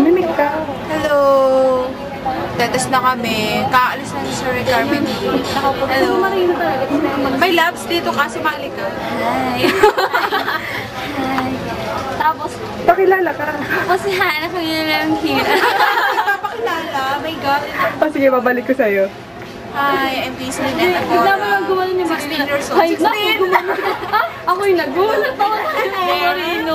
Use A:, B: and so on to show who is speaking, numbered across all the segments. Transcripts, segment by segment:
A: Malimit ka.
B: Hello! Tetes na kami. Kaalis na sa Carmen. Hello. May labs dito kasi mali ka.
C: Hi. Hi. Tapos,
A: Pakilala ka.
C: tapos hanap ko yun lang here.
B: Papakilala. My God.
A: Sige, babalik ko sa'yo.
B: Hi, I'm Paisley Neta Coro.
C: Bigla mo lang gumano ni
B: 16 years old.
C: Hi, naku, gumano. Ako yung nag-gumano. Tawa tayo. Marino.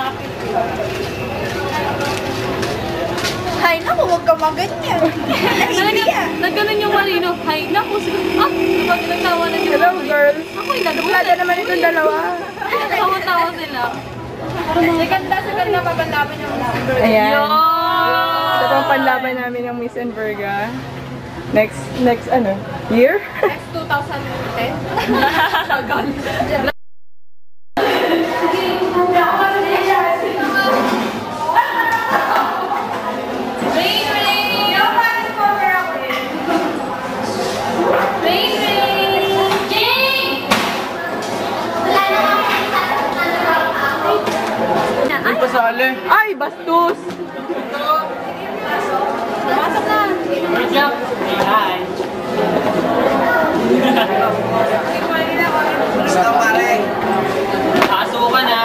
B: Hi, naku, huwag ka maganyan.
C: Nagganon yung Marino. Hi, naku. Diba nagtawa na yung
A: Hello, girl.
C: Ako yung nag-gumano.
A: Wala naman itong dalawa.
C: Tawa-tawa sila.
B: Ganda papanlaban yung
A: Ayan.
C: Yun!
A: Ito pang panlaban namin ng Miss Enverga. Next year?
B: Next 2010.
A: Ay, bastos!
B: Pasok na.
D: Hi. Gusto pare. Aso ka na.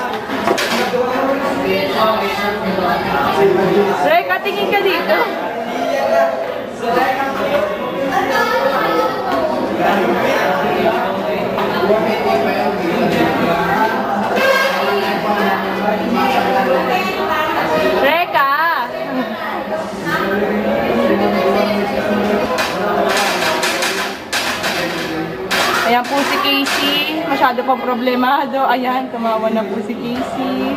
A: Reka, tingin ka dito. Reka! Ayan po si Casey. Masyado pang problemado. Ayan, tumawa na po si Casey.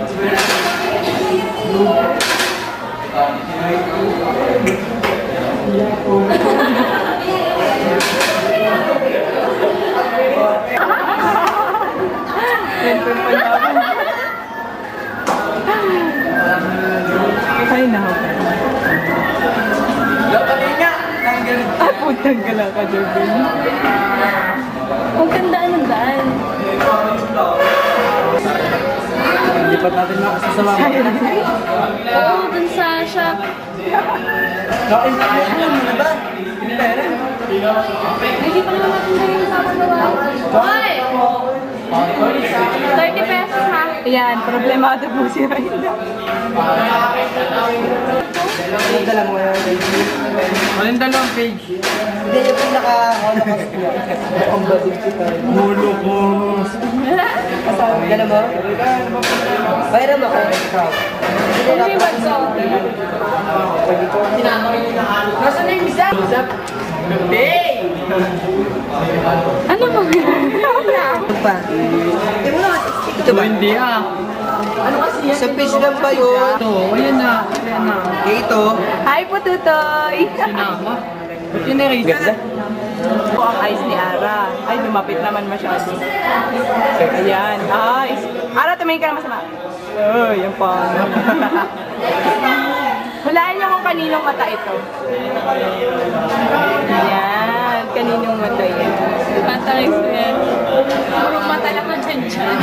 A: Ay, nako. Ay, putang gala ka, Jervin.
C: Ang ganda ng daan.
D: Lipat natin mga kasasama.
C: Oo, dun sa shop.
D: Kain pa kayo na ba? Pera.
C: Hindi pa naman natin na yung sapagawa. Hoy! 30 pesos ha?
A: Ayan, problemado po si Raina.
D: Dala mo yan. Walang dalawang page. Hindi yung ang bading kita. Mulo ko. Dala mo? Bayram ako.
C: Ano yung bagso?
D: Nasaan na yung isa? Hey!
C: Ano mo?
D: Ito pa. Ito ba? Hindi ah. Ano kasi yan? Sa page lang ba yun? Ito, ayan na. Ayan na. Ito.
A: Hi po, Tutoy!
D: Sinama. Ba't yun na-erase? Ganda.
A: Ito ang eyes ni Ara. Ay, lumapit naman masyado. Ayan. Ay, Ara, tumingin ka na masama. Oh, yan pa. Hulaan niyo kung kaninong mata ito. Ayan, kaninong mata yan.
C: Patalis ko yan. Puro mata lang ko dyan dyan.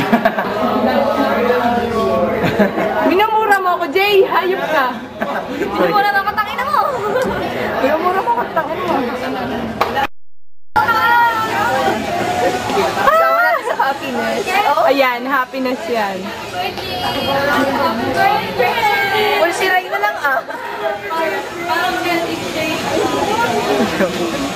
A: Minamura mo ako, Jay! Hayop ka!
C: Minumura na katangin na mo!
A: Minamura mo ako, tangin mo.
B: Sama natin sa happiness.
A: Ayan, happiness yan.
B: Well, si Ray na lang ah.
C: Parang